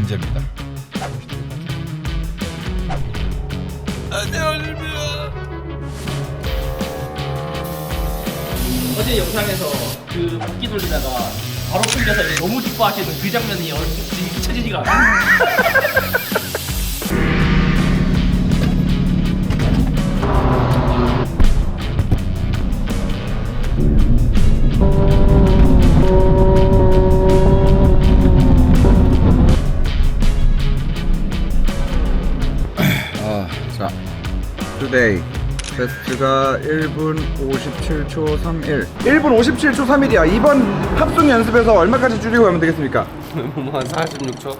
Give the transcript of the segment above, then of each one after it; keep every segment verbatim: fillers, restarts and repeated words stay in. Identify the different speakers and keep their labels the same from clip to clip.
Speaker 1: 문제입니다. 안녕하십니까.
Speaker 2: 어제 영상에서 그 바퀴 돌리다가 바로 끌려서 이제 너무 기뻐하시는 그 장면이 얼핏 잊혀지지가 않아요.
Speaker 1: 아, 자, 투데이 베스트가 일 분 오십칠 초 삼일. 일 분 오십칠 초 삼일이야. 이번 합숙 연습에서 얼마까지 줄이고 하면 되겠습니까?
Speaker 3: 뭐한 사십육 초?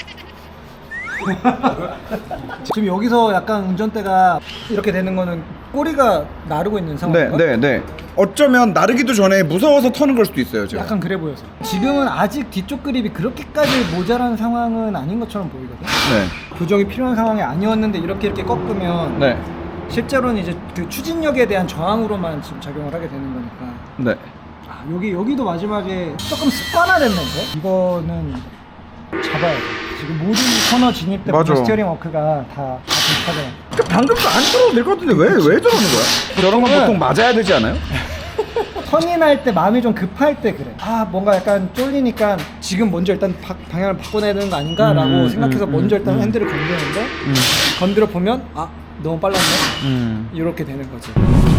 Speaker 4: 지금 여기서 약간 운전대가 이렇게 되는 거는 꼬리가 나르고 있는
Speaker 1: 네,
Speaker 4: 상황인가?
Speaker 1: 네, 네. 어쩌면 나르기도 전에 무서워서 터는 걸 수도 있어요, 제가.
Speaker 4: 약간 그래 보여서 지금은 아직 뒤쪽 그립이 그렇게까지 모자란 상황은 아닌 것처럼 보이거든.
Speaker 1: 네,
Speaker 4: 교정이 필요한 상황이 아니었는데 이렇게 이렇게 꺾으면
Speaker 1: 네,
Speaker 4: 실제로는 이제 그 추진력에 대한 저항으로만 지금 작용을 하게 되는 거니까.
Speaker 1: 네.
Speaker 4: 아, 여기 여기도 마지막에 조금 습관화됐는데 이거는 잡아야 돼. 지금 모든 코너 진입 때
Speaker 1: 맞아.
Speaker 4: 스티어링 워크가 다, 다 비슷하잖아.
Speaker 1: 방금도 안 들어도 될 것 같은데 왜, 왜 저러는 거야? 저런 건 보통 맞아야 되지 않아요?
Speaker 4: 터닝할 때 마음이 좀 급할 때 그래. 아 뭔가 약간 쫄리니까 지금 먼저 일단 바, 방향을 바꿔내야 되는 거 아닌가라고
Speaker 1: 음,
Speaker 4: 생각해서
Speaker 1: 음,
Speaker 4: 먼저
Speaker 1: 음,
Speaker 4: 일단
Speaker 1: 음.
Speaker 4: 핸들을 건드는데
Speaker 1: 음.
Speaker 4: 건드려 보면 아 너무 빨랐네.
Speaker 1: 음.
Speaker 4: 이렇게 되는 거지.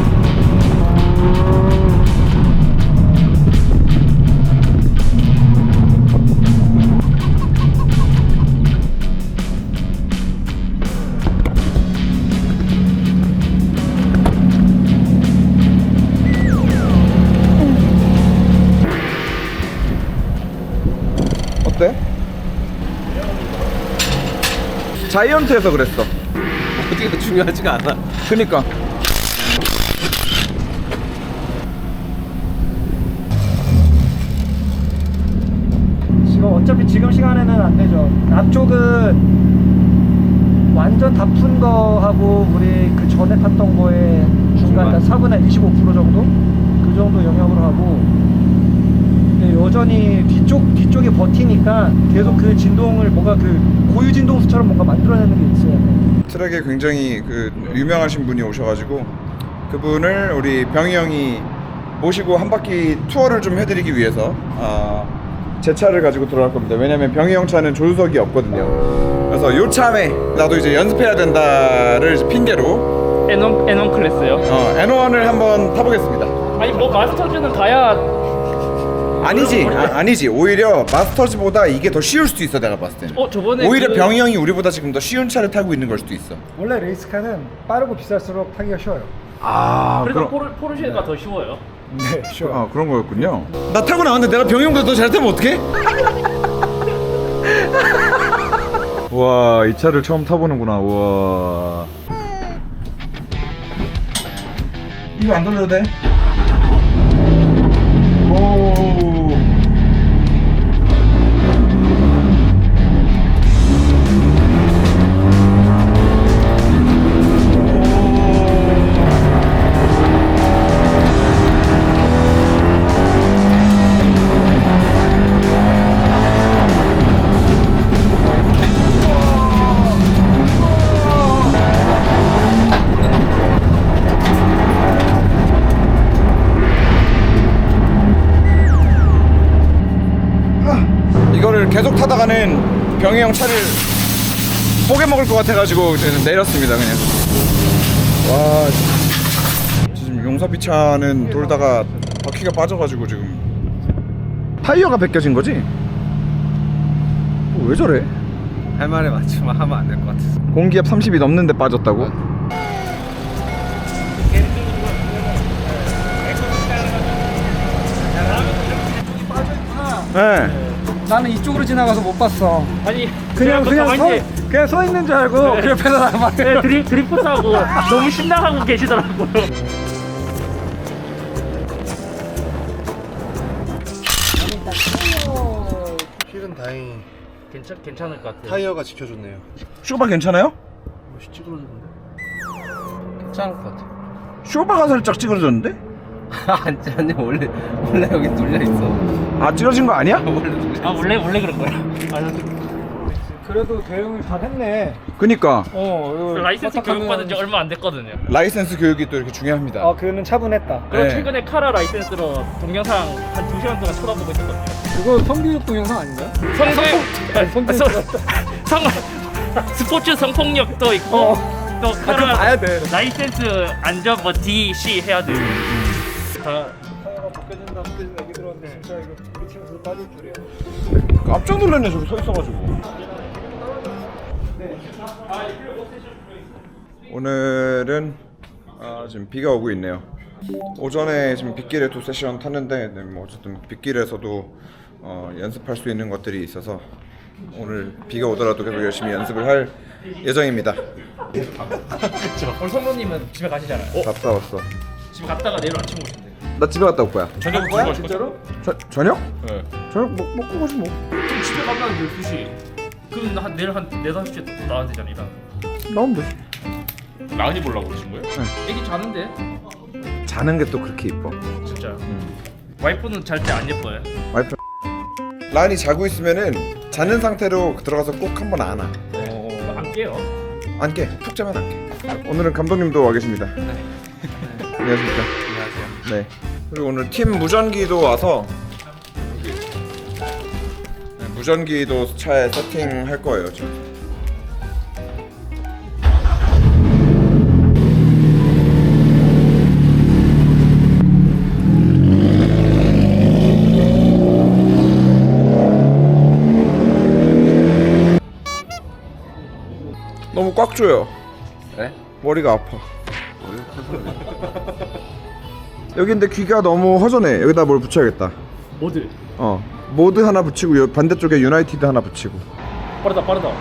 Speaker 1: 어때? 자이언트에서 그랬어.
Speaker 3: 어디가 중요하지가 않아.
Speaker 1: 그니까.
Speaker 4: 지금 어차피 지금 시간에는 안 되죠. 앞쪽은 완전 다 푼 거하고 우리 그 전에 탔던 거에 중간 한 사분의 이십오 퍼센트 정도? 그 정도 영역으로 하고 근데 여전히 뒤쪽, 뒤쪽이 버티니까 계속 그 진동을 뭔가 그 고유 진동수처럼 뭔가 만들어내는 게 있어야 돼.
Speaker 1: 트랙에 굉장히 그 유명하신 분이 오셔가지고 그분을 우리 병희 형이 모시고 한 바퀴 투어를 좀 해드리기 위해서 아, 제 차를 가지고 들어갈 겁니다. 왜냐면 병희 형 차는 조수석이 없거든요. 그래서 요 참에 나도 이제 연습해야 된다를 이제 핑계로
Speaker 2: 엔원 엔원 클래스요.
Speaker 1: 어, 엔원을 한번 타보겠습니다.
Speaker 2: 아니 뭐 마스터즈는 가야
Speaker 1: 아니지, 아, 아니지. 오히려 마스터즈보다 이게 더 쉬울 수도 있어. 내가 봤을 때는.
Speaker 2: 어 저번에
Speaker 1: 오히려
Speaker 2: 그...
Speaker 1: 병희 형이 우리보다 지금 더 쉬운 차를 타고 있는 걸 수도 있어.
Speaker 4: 원래 레이스카는 빠르고 비쌀수록 타기가 쉬워요.
Speaker 1: 아,
Speaker 2: 그래서 포르, 포르쉐가 더 쉬워요.
Speaker 4: 네, 쉬워요.
Speaker 1: 아, 그런 거였군요. 나 타고 나왔는데 내가 병희 형보다 더 잘 타면 어떡해? 와, 이 차를 처음 타보는구나. 와. 이거 안 돌려도 돼? 오. 이거를 계속 타다가는 병희 형 차를 뽀개 먹을 것 같아가지고 내렸습니다 그냥. 와, 지금 용사비 차는 돌다가 바퀴가 빠져가지고 지금 타이어가 벗겨진 거지? 어, 왜 저래?
Speaker 3: 할 말에 맞추면 하면 안 될 것 같아서.
Speaker 1: 공기압 삼십이 넘는데 빠졌다고? 네.
Speaker 4: 나는 이쪽으로 지나가서 못 봤어.
Speaker 2: 아니
Speaker 4: 그냥 그냥 서,
Speaker 2: 가만히
Speaker 4: 그냥 서 있는 줄 알고 그 옆에서 나만.
Speaker 2: 네, 드리, 드리프트하고 너무 신나하고 계시더라고요.
Speaker 3: 휠은 다행히
Speaker 2: 괜찮 괜찮을 것 같아요.
Speaker 3: 타이어가 지켜줬네요.
Speaker 1: 쇼바 괜찮아요?
Speaker 3: 멋이 찌그러졌는데? 괜찮을 것 같아.
Speaker 1: 쇼바가 살짝 찌그러졌는데?
Speaker 3: 아니, 아니 원래 원래 여기 눌려 있어.
Speaker 1: 아, 찌그러진 거 아니야?
Speaker 3: 원래 눌려.
Speaker 2: 아 원래 원래 그런 거예요. 아,
Speaker 4: 그래도 대응을 잘 했네.
Speaker 1: 그니까
Speaker 4: 어, 이거
Speaker 2: 라이센스
Speaker 4: 부탁하면-
Speaker 2: 교육받은 지 얼마 안 됐거든요.
Speaker 1: 라이센스 교육이 또 이렇게 중요합니다.
Speaker 4: 아, 그는 차분했다.
Speaker 2: 그리고
Speaker 1: 네.
Speaker 2: 최근에 카라 라이센스로 동영상 한 두 시간 동안 쳐다보고 있었거든요.
Speaker 4: 그거 성교육 동영상 아닌가요?
Speaker 2: 성폭
Speaker 4: 아니, 성교육
Speaker 2: 성 스포츠 성폭력도 있고
Speaker 4: 어.
Speaker 2: 또
Speaker 4: 아, 그거
Speaker 2: 카라
Speaker 4: 봐야 돼.
Speaker 2: 라이센스 안전 뭐 D, C 해야 돼. 다
Speaker 4: 타이어가 벗겨진다, 벗겨진다 얘기 들었는데 진짜 이거 부딪히면서 빠질 줄이야.
Speaker 1: 깜짝 놀랐네 저기 서 있어가지고. 오늘은 아, 지금 비가 오고 있네요. 오전에 지금 빗길에 두 세션 탔는데 네, 뭐 어쨌든 빗길에서도 어, 연습할 수 있는 것들이 있어서 오늘 비가 오더라도 계속 열심히 연습을 할 예정입니다.
Speaker 2: 오늘 성모님은 집에 가시잖아요.
Speaker 1: 갔다 왔어.
Speaker 2: 집에 갔다가 내일 아침 오신대.
Speaker 1: 나 집에 갔다 올 거야.
Speaker 2: 저녁
Speaker 4: 뭐야,
Speaker 2: 먹으실
Speaker 4: 진짜로?
Speaker 2: 거죠?
Speaker 1: 저, 저녁?
Speaker 2: 네.
Speaker 1: 저녁 먹, 먹고 가지 뭐.
Speaker 2: 그럼 집에 가면 열두 시. 그럼 한 내일 한 네, 다섯 시에 또 나와야 되잖아, 일단.
Speaker 1: 나오면 되지.
Speaker 5: 라은이 보려고 그러신 거예요?
Speaker 2: 애기 자는데?
Speaker 1: 자는 게 또 그렇게 이뻐.
Speaker 2: 진짜. 와이프는 잘 때 안 예뻐요.
Speaker 1: 와이프 라인이 자고 있으면은 자는 상태로 들어가서 꼭 한번 안아.
Speaker 2: 어, 안 깨요.
Speaker 1: 안 깨. 푹 자면 안 깨. 오늘은 감독님도 와 계십니다. 네. 안녕하십니까.
Speaker 3: 안녕하세요.
Speaker 1: 네. 그리고 오늘 팀 무전기도 와서 여기. 네, 무전기도 차에 세팅할 거예요 지금. 너무 꽉 조여.
Speaker 3: 네?
Speaker 1: 머리가 아파. 여기인데 귀가 너무 허전해. 여기다 뭘 붙여야겠다.
Speaker 2: 모드.
Speaker 1: 어, 모드 하나 붙이고 요 반대쪽에 유나이티드 하나 붙이고.
Speaker 2: 빠르다, 빠르다.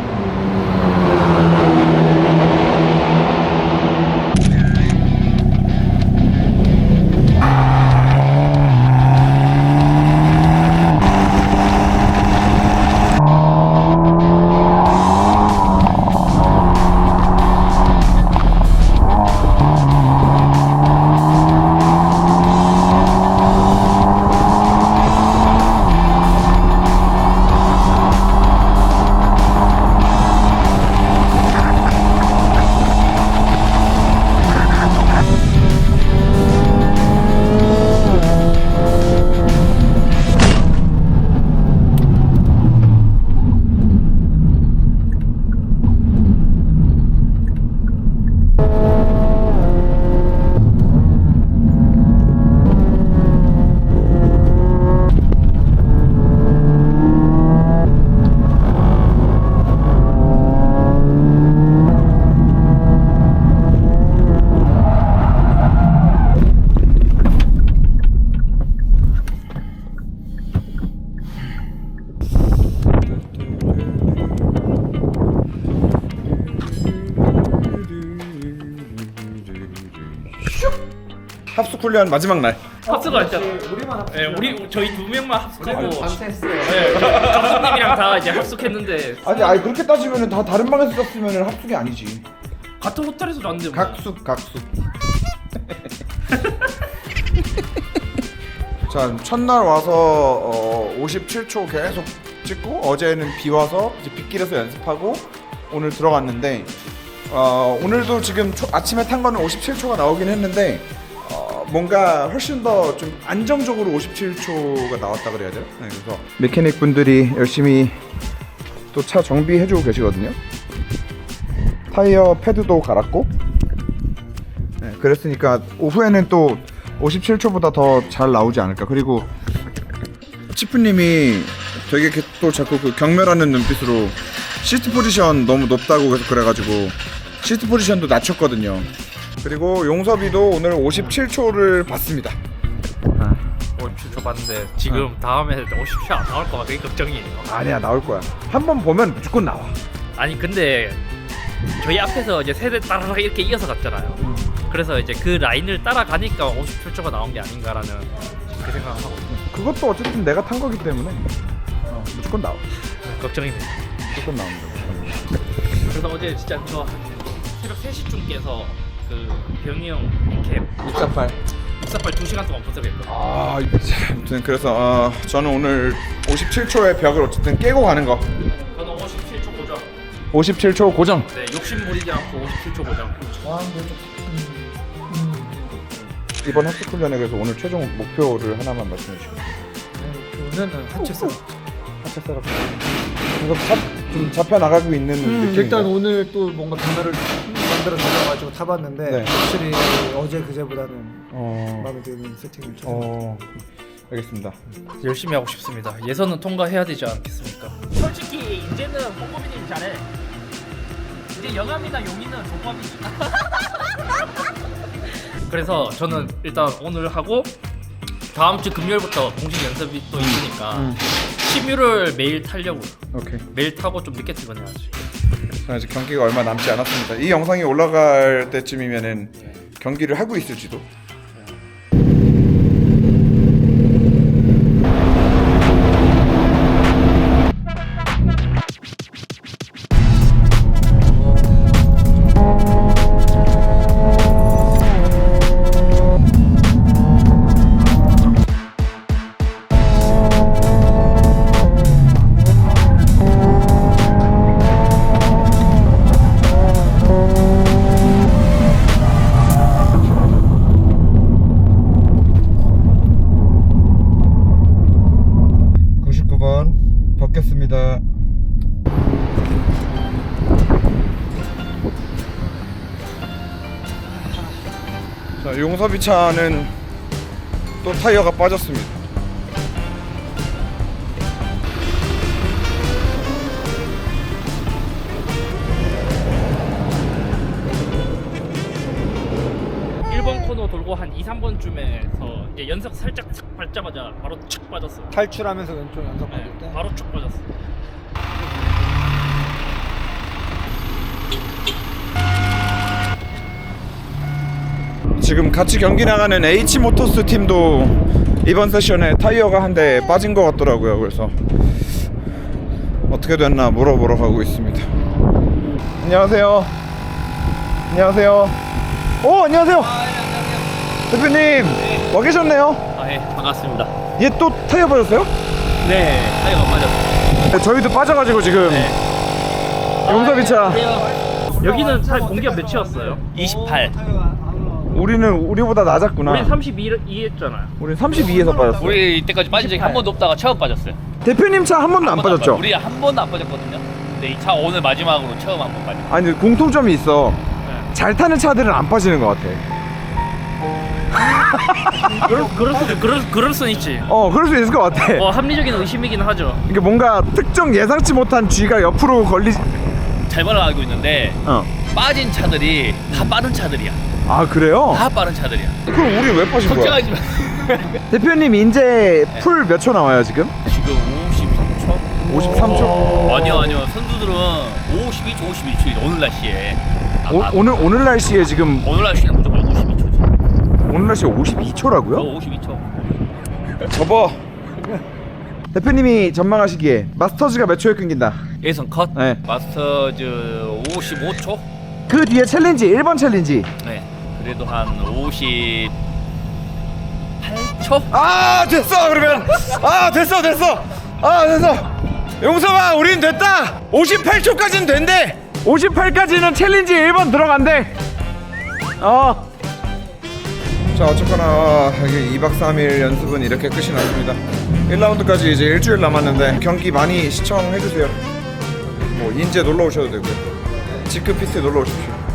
Speaker 1: 합숙 훈련 마지막 날.
Speaker 2: 합숙을 했잖아.
Speaker 4: 우리만 합.
Speaker 2: 네, 우리 저희 두 명만 합숙하고
Speaker 3: 밤새했어요.
Speaker 2: 네, 감독님이랑 다 이제 합숙했는데
Speaker 1: 아니, 아니 그렇게 따지면은 다 다른 방에서 잤으면은 합숙이 아니지.
Speaker 2: 같은 호텔에서 잤는데 뭐.
Speaker 1: 각숙, 각숙. 자, 첫날 와서 어, 오십칠 초 계속 찍고 어제는 비 와서 이제 빗길에서 연습하고 오늘 들어갔는데 어, 오늘도 지금 초, 아침에 탄 거는 오십칠 초가 나오긴 했는데 어, 뭔가 훨씬 더 좀 안정적으로 오십칠 초가 나왔다 그래야 돼요. 네, 그래서 메케닉 분들이 열심히 또 차 정비해주고 계시거든요. 타이어 패드도 갈았고, 네, 그랬으니까 오후에는 또 오십칠 초보다 더 잘 나오지 않을까. 그리고 치프님이 되게 또 자꾸 그 경멸하는 눈빛으로 시트 포지션 너무 높다고 계속 그래가지고 시트 포지션도 낮췄거든요. 그리고 용섭이도 오늘 오십칠 초를 봤습니다.
Speaker 2: 오십칠 초 봤는데 지금 다음에 오십 초 안 나올 거가 되게 걱정이에요.
Speaker 1: 아니야, 나올 거야. 한 번 보면 무조건 나와.
Speaker 2: 아니 근데 저희 앞에서 이제 세대 따라락 이렇게 이어서 갔잖아요. 그래서 이제 그 라인을 따라가니까 오십칠 초가 나온 게 아닌가라는 그 생각을 하고
Speaker 1: 그것도 어쨌든 내가 탄 거기 때문에 어, 무조건 나와.
Speaker 2: 걱정이네요.
Speaker 1: 무조건 나옵니다.
Speaker 2: 그래서 어제 진짜 저 새벽 세 시쯤 깨서 그 병이 형 캡
Speaker 1: 육사팔.
Speaker 2: 육사팔 두 시간 동안 분석했거든요.
Speaker 1: 아, 자, 아무튼 그래서 어, 저는 오늘 오십칠 초의 벽을 어쨌든 깨고 가는 거.
Speaker 2: 저는 오십칠 초
Speaker 1: 오십칠 초 고정.
Speaker 2: 네, 욕심 부리지 않고 오십칠 초 고정.
Speaker 4: 저항도 좀 음, 음.
Speaker 1: 이번 학습 훈련에 그래서 오늘 최종 목표를 하나만 말씀해 주시죠.
Speaker 4: 네, 저는 하체 셋업.
Speaker 1: 하체 셋업. 이거 잡, 좀 잡혀 나가고 있는
Speaker 4: 음,
Speaker 1: 느낌인가요?
Speaker 4: 일단 오늘 또 뭔가 변화를 만들어 내려가지고 타봤는데
Speaker 1: 네.
Speaker 4: 확실히 어제 그제보다는
Speaker 1: 어,
Speaker 4: 마음에 드는 세팅을 찾아.
Speaker 1: 어, 알겠습니다.
Speaker 2: 열심히 하고 싶습니다. 예선은 통과해야 되지 않겠습니까? 솔직히 이제는 뽀뽀비님 잘해. 이제 영암이나 용이는 조법이지. 그래서 저는 일단 오늘 하고 다음 주 금요일부터 공식 연습이 또 있으니까
Speaker 1: 음.
Speaker 2: 시뮤를 매일 타려고요.
Speaker 1: 오케이.
Speaker 2: 매일 타고 좀 늦게 출근해야지.
Speaker 1: 자, 이제 경기가 얼마 남지 않았습니다. 이 영상이 올라갈 때쯤이면은 경기를 하고 있을지도. 구십구 번 벗겼습니다. 자, 용섭이 차는 또 타이어가 빠졌습니다.
Speaker 2: 일 번 코너 돌고 한 이, 삼 번쯤에서 이제 연석 살짝 착 밟자마자 바로 착 빠졌어요.
Speaker 4: 탈출하면서 왼쪽 연속 받을 때.
Speaker 2: 네, 바로 쭉 빠졌어.
Speaker 1: 지금 같이 경기 나가는 H모터스 팀도 이번 세션에 타이어가 한 대 빠진 것 같더라고요. 그래서 어떻게 됐나 물어보러 가고 있습니다. 안녕하세요. 안녕하세요. 오, 안녕하세요. 대표님 와 계셨네요.
Speaker 2: 아, 예, 반갑습니다.
Speaker 1: 얘 또 타이어 빠졌어요?
Speaker 2: 네, 타이어가 빠졌어요.
Speaker 1: 네, 저희도 빠져가지고 지금 용섭이 차.
Speaker 2: 여기는 살 공기가 몇이었어요? 이십팔.
Speaker 1: 우리는 우리보다 낮았구나.
Speaker 2: 우린 삼십이 했잖아요.
Speaker 1: 우린 삼십이에서 빠졌어.
Speaker 6: 우리 이때까지 빠진 적이 한 번도 없다가 처음 빠졌어요.
Speaker 1: 대표님 차 한 번도 안
Speaker 6: 한 번도
Speaker 1: 빠졌죠?
Speaker 6: 빠- 우리 한 번도 안 빠졌거든요. 근데 이 차 오늘 마지막으로 처음 한 번 빠졌어요.
Speaker 1: 아니 공통점이 있어.
Speaker 2: 네.
Speaker 1: 잘 타는 차들은 안 빠지는 것 같아.
Speaker 2: 그럴, 그럴 수도 그럴, 그럴 수는 있지.
Speaker 1: 어, 그럴 수 있을 것 같아.
Speaker 2: 뭐 합리적인 의심이긴 하죠.
Speaker 1: 이게 뭔가 특정 예상치 못한 G가 옆으로 걸리.
Speaker 6: 잘못 알고 있는데
Speaker 1: 어.
Speaker 6: 빠진 차들이 다 빠른 차들이야.
Speaker 1: 아 그래요?
Speaker 6: 다 빠른 차들이야.
Speaker 1: 그럼 우리 왜 빠진 거야?
Speaker 6: 걱정하지 마.
Speaker 1: 대표님 이제 풀 몇 초 나와요 지금?
Speaker 6: 지금 오십삼 초?
Speaker 1: 오십삼 초.
Speaker 6: 아니요 아니요 선수들은 오십이 초, 오십일 초 오늘 날씨에. 아,
Speaker 1: 오,
Speaker 6: 아,
Speaker 1: 오늘 오늘 날씨에 지금
Speaker 6: 오늘 날씨는 무조건 오십이 초지.
Speaker 1: 오늘 날씨에 오십이 초라고요?
Speaker 6: 어, 오십이 초.
Speaker 1: 접어. 대표님이 전망하시기에 마스터즈가 몇 초에 끊긴다.
Speaker 6: 예선 컷.
Speaker 1: 네.
Speaker 6: 마스터즈 오십오 초.
Speaker 1: 그 뒤에 챌린지 일 번 챌린지.
Speaker 6: 네. 그래도 한 오십팔 초.
Speaker 1: 아 됐어 그러면. 아 됐어 됐어. 아 됐어. 용섭아 우린 됐다. 오십팔 초까지는 된대. 오십팔까지는 챌린지 일 번 들어간대. 어. 자 어쨌거나 여기 이 박 삼 일 연습은 이렇게 끝이 났습니다. 일 라운드까지 이제 일주일 남았는데 경기 많이 시청해주세요. 뭐 인제 놀러 오셔도 되고요. 지크 피스에 놀러 오십시오.